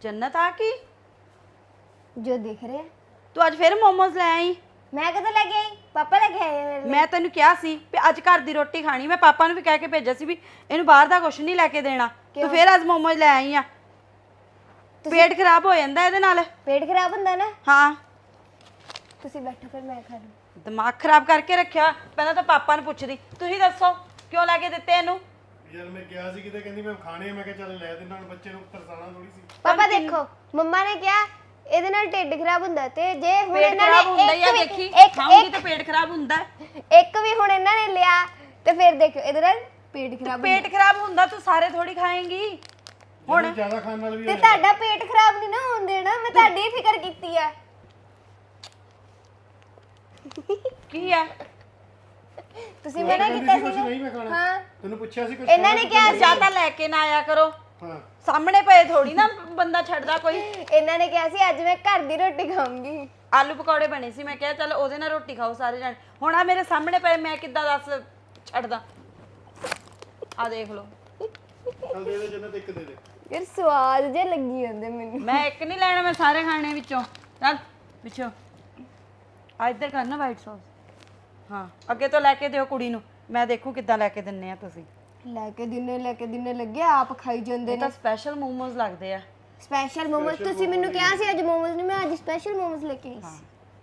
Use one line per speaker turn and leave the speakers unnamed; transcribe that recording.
जन्नत आ की
जो दिख रहे हैं।
तू अज फिर मोमोज ले आई
मैं कदों लेके आई? पापा लेके आए हैं मेरे लिए।
मैं तेन कहा सी भी अज घर दी रोटी खानी मैं पापा नूं भी कह के भेजा सी भी इहनूं बाहर दा कुछ नहीं लैके देना तू फिर अज मोमोज ले आई आ पेट खराब हो जांदा इहदे नाल
पेट खराब हुंदा ना।
हाँ
तुसी बैठो फिर मैं खा लूं।
दिमाग खराब करके रखिया पहले तो पापा नूं पुछदी तुसीं दसो क्यों लैके दित्ते इहनूं
यार मैं किया सी किते कहंदी मैं खाने आ, मैं कहा चल ले देना हुण बच्चे नूं तरसाना थोड़ी सी।
पापा देखो मम्मा ने क्या ਇਹਦੇ ਨਾਲ ਢਿੱਡ ਖਰਾਬ ਹੁੰਦਾ ਤੇ ਜੇ ਹੁਣ
पेट
ਇਹਨਾਂ
खराब हुंदा ही
ਨੇ
आ देखी खाऊंगी तो पेट खराब हुंदा है
ਇੱਕ ਵੀ ਹੁਣ ਇਹਨਾਂ ਨੇ ਲਿਆ ਤੇ ਫਿਰ ਦੇਖੋ ਇਹਦੇ ਨਾਲ ਪੇਟ ਖਰਾਬ
पेट खराब हुंदा तू सारे थोड़ी खाएंगी
ਹੁਣ ਜ਼ਿਆਦਾ ਖਾਣ ਨਾਲ ਵੀ
ਤੇ ਤੁਹਾਡਾ ਪੇਟ ਖਰਾਬ ਨਹੀਂ ਨਾ ਹੋਣ ਦੇਣਾ ਮੈਂ ਤੁਹਾਡੀ ਫਿਕਰ ਕੀਤੀ ਆ
की है
ਤੁਸੀਂ ਮਨਾ ਕੀਤਾ
ਕੁਝ
ਸੀ
ਨਹੀਂ ਮੈਂ ਖਾਣਾ
ਹਾਂ
ਤੈਨੂੰ ਪੁੱਛਿਆ ਸੀ ਕੁਝ
ਇਹਨਾਂ ਨੇ ਕਿਹਾ
ज्यादा लेके ना आया करो
ਹਾਂ
सामने पे थोड़ी ना बंदा छड़दा कोई
ਇਹਨਾਂ ਨੇ ਕਿਹਾ ਸੀ ਅੱਜ ਮੈਂ ਘਰ ਦੀ ਰੋਟੀ ਖਾਊਂਗੀ
आलू पकौड़े बने सी मैं कहा चल ओदे नाल रोटी खाओ सारे जन हुण आ मेरे सामने पे मैं किद्दां दस छड़दा आ देख लो
ਚੱਲ ਦੇ ਦੇ ਜन्नत ਇੱਕ ਦੇ ਦੇ
ਯਾਰ ਸਵਾਦ ਜੇ ਲੱਗੀ ਜਾਂਦੇ ਮੈਨੂੰ
मैं एक नहीं लेना मैं सारे खाने विचों चल पिछो आ इधर करना वाइट सॉस हाँ अगे तो लैके दिओ कुड़ी नूं मैं देखूं किद्दां लैके दिन्ने आ तुसीं
ਲੈ ਕੇ ਦਿਨੇ ਲੱਗੇ ਆਪ ਖਾਈ ਜਾਂਦੇ
ਇਹ
ਨੇ
ਤਾਂ ਸਪੈਸ਼ਲ ਮੋਮੋਜ਼ ਲੱਗਦੇ ਆ
ਸਪੈਸ਼ਲ ਮੋਮੋਸ ਤੁਸੀਂ ਮੈਨੂੰ ਕਿਹਾ ਸੀ ਅੱਜ ਮੋਮੋਸ ਨਹੀਂ ਮੈਂ ਅੱਜ ਸਪੈਸ਼ਲ ਮੋਮੋਸ ਲੈ ਕੇ ਆਈ ਸੀ